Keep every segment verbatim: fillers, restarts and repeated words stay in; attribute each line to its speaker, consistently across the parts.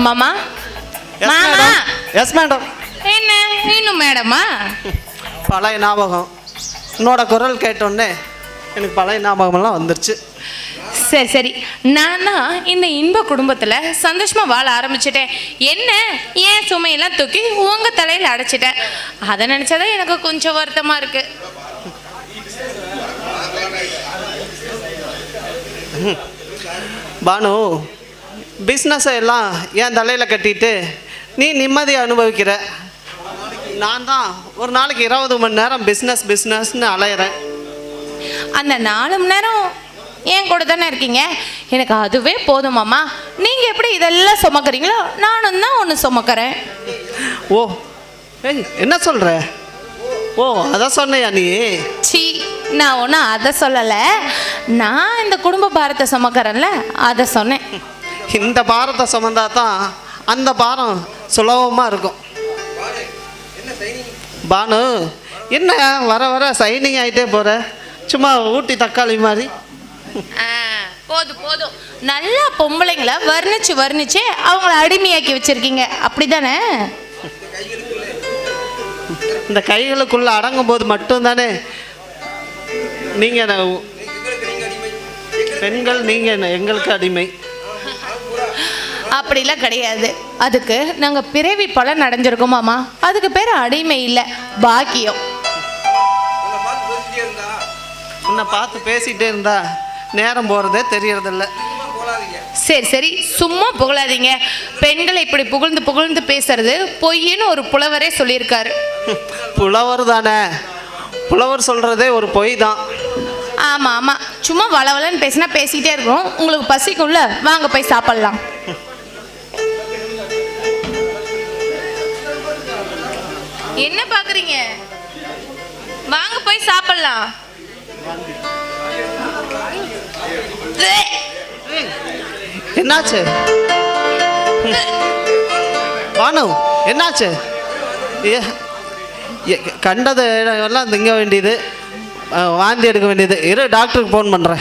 Speaker 1: மாமா. மாமா.
Speaker 2: Yes madam.
Speaker 1: என்ன இன்னும் மேடமா?
Speaker 2: பழைய ஞாபகம். உன்னோட குரல் கேட்டோன்னே எனக்கு பழைய ஞாபகமெல்லாம் வந்துருச்சு.
Speaker 1: சரி சரி, நான் தான் இந்த இன்ப குடும்பத்தில் சந்தோஷமாக வாழ ஆரம்பிச்சிட்டேன். என்ன ஏன் சுமையெல்லாம் தூக்கி உங்கள் தலையில் அடைச்சிட்டேன். அதை நினச்சாதான் எனக்கு கொஞ்சம் வருத்தமாக இருக்கு.
Speaker 2: பானு, பிஸ்னஸை எல்லாம் என் தலையில் கட்டிட்டு நீ நிம்மதியை அனுபவிக்கிற. நான் தான் ஒரு நாளைக்கு இருபது மணி நேரம் பிஸ்னஸ் பிஸ்னஸ்ன்னு அலையிறேன்.
Speaker 1: அந்த நாலு மணி நேரம் ஏன் கூட தானே இருக்கீங்க, எனக்கு அதுவே போதுமாம்மா. நீங்கள் எப்படி இதெல்லாம் சுமக்கிறீங்களோ நானும் தான் ஒன்று சுமக்கிறேன்.
Speaker 2: ஓ ஏய், என்ன சொல்கிற? ஓ அதான் சொன்னையா நீ?
Speaker 1: சி, நான் ஒன்றும் அதை சொல்லலை. நான் இந்த குடும்ப பாரத்தை சுமக்கிறேன்ல அதை சொன்னேன்.
Speaker 2: இந்த பாரத்தை சுமந்தா தான் அந்த பாரம் சுலபமாக இருக்கும். பானு, என்ன வர வர சைனிங் ஆகிட்டே போகிற? சும்மா ஊட்டி தக்காளி மாதிரி.
Speaker 1: போதும் போதும், நல்லா பொம்பளைங்களை வர்ணிச்சு வர்ணிச்சு அவங்கள அடிமையாக்கி வச்சிருக்கீங்க, அப்படி தானே?
Speaker 2: இந்த கைகளுக்குள்ள அடங்கும் போது மட்டும்தானே நீங்கள் பெண்கள், நீங்கள் எங்களுக்கு அடிமை.
Speaker 1: அப்படிலாம் கிடையாது. அதுக்கு நாங்கள் பிறவி பலன் அடைஞ்சிருக்கோமாம்மா. அதுக்கு பேர் அடிமை இல்லை, பாக்கியம்.
Speaker 2: உன்னை பார்த்து பேசிகிட்டே இருந்தா நேரம் போகிறதே தெரியறதில்ல.
Speaker 1: சரி சரி, சும்மா புகழாதீங்க. பெண்களை இப்படி புகழ்ந்து புகழ்ந்து பேசுறது பொய்ன்னு ஒரு புலவரே சொல்லியிருக்காரு.
Speaker 2: புலவர் தானே, புலவர் சொல்கிறதே ஒரு பொய் தான்.
Speaker 1: ஆமாம் ஆமாம், சும்மா வளவலன்னு பேசினா பேசிகிட்டே இருக்கணும். உங்களுக்கு பசிக்கும்ல, வாங்க போய் சாப்பிட்லாம். என்ன பார்க்குறீங்க? வாங்க போய் சாப்பிட்லாம்.
Speaker 2: என்னாச்சு பானு, என்னாச்சு? கண்டது எல்லாம் திங்க வேண்டியது, வாந்தி எடுக்க வேண்டியது. இரு, டாக்டருக்கு ஃபோன் பண்ணுறேன்.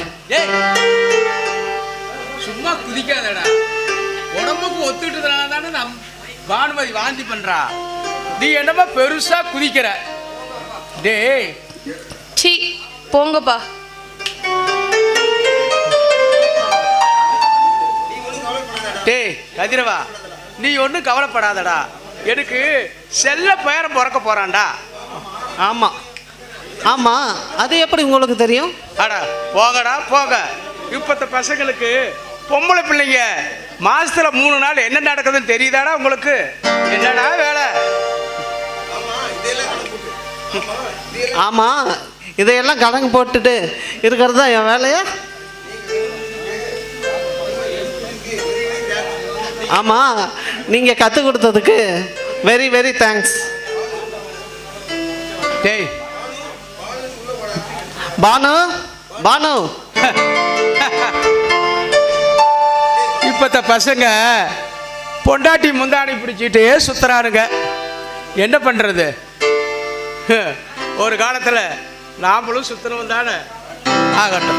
Speaker 3: சும்மா குதிக்காதடா, உடம்புக்கு ஒத்துக்கிட்டதுனால தானே நம் பானுமதி வாந்தி பண்ணுறா. நீ என்னமா பெருசா குதிக்கிற? டேய்
Speaker 1: சி, போங்கப்பா.
Speaker 3: டேய் கதிரவா, நீ ஒன்றும் கவலைப்படாதடா. எனக்கு செல்ல பேரம் பிறக்க போறான்டா.
Speaker 2: ஆமாம் ஆமாம், அது எப்படி உங்களுக்கு தெரியும்?
Speaker 3: அடா போகடா போக. இப்பத்த பசங்களுக்கு பொம்பளை பிள்ளைங்க மாசத்துல மூணு நாள் என்ன நடக்குதுன்னு தெரியுதாடா உங்களுக்கு? என்னடா வேலை?
Speaker 2: ஆமாம், இதையெல்லாம் கணக்கு போட்டுட்டு இருக்கிறது தான் என் வேலையா? ஆமாம், நீங்கள் கற்றுக் கொடுத்ததுக்கு வெரி வெரி தேங்க்ஸ்.
Speaker 3: டேய்
Speaker 2: பானு, பானு,
Speaker 3: இப்பத்த பசங்க பொண்டாட்டி முந்தாணி பிடிச்சிட்டு சுத்துறானுங்க. என்ன பண்ணுறது? ஒரு காலத்தில் நாமளும் சுத்தணும் தானே. ஆகட்டும்.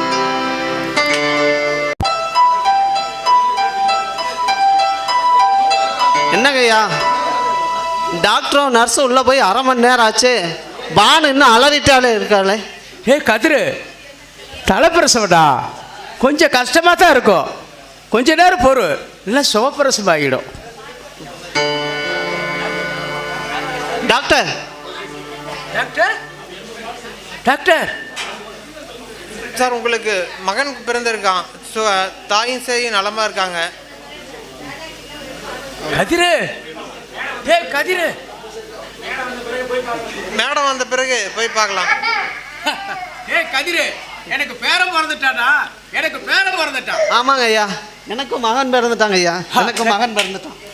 Speaker 2: என்னங்கய்யா, டாக்டரும் நர்ஸும் உள்ளே போய் அரை மணி நேரம் ஆச்சு, பானு இன்னும் அலறிட்டாலே இருக்காளே.
Speaker 3: ஏ கதிரு, தலைப்பிரசவடா, கொஞ்சம் கஷ்டமாக தான் இருக்கும். கொஞ்ச நேரம் பொறு, இல்லை சுகப்பிரசவம் ஆகிடும்.
Speaker 2: டாக்டர்
Speaker 3: டாக்டர் டாக்டர்
Speaker 4: சார், உங்களுக்கு மகன் பிறந்திருக்கான். ஸோ தாயும் சரி நலமாக இருக்காங்க.
Speaker 3: கதிரு, ஏ கதிரு,
Speaker 4: மேடம் வந்த பிறகு போய் பார்க்கலாம்.
Speaker 3: ஏ கதிரு, எனக்கு பேரம் பிறந்துட்டானா? எனக்கு பேரம் பிறந்துட்டான்.
Speaker 2: ஆமாங்க ஐயா, எனக்கும் மகன் பிறந்துட்டாங்க ஐயா, எனக்கும் மகன் பிறந்துட்டான்.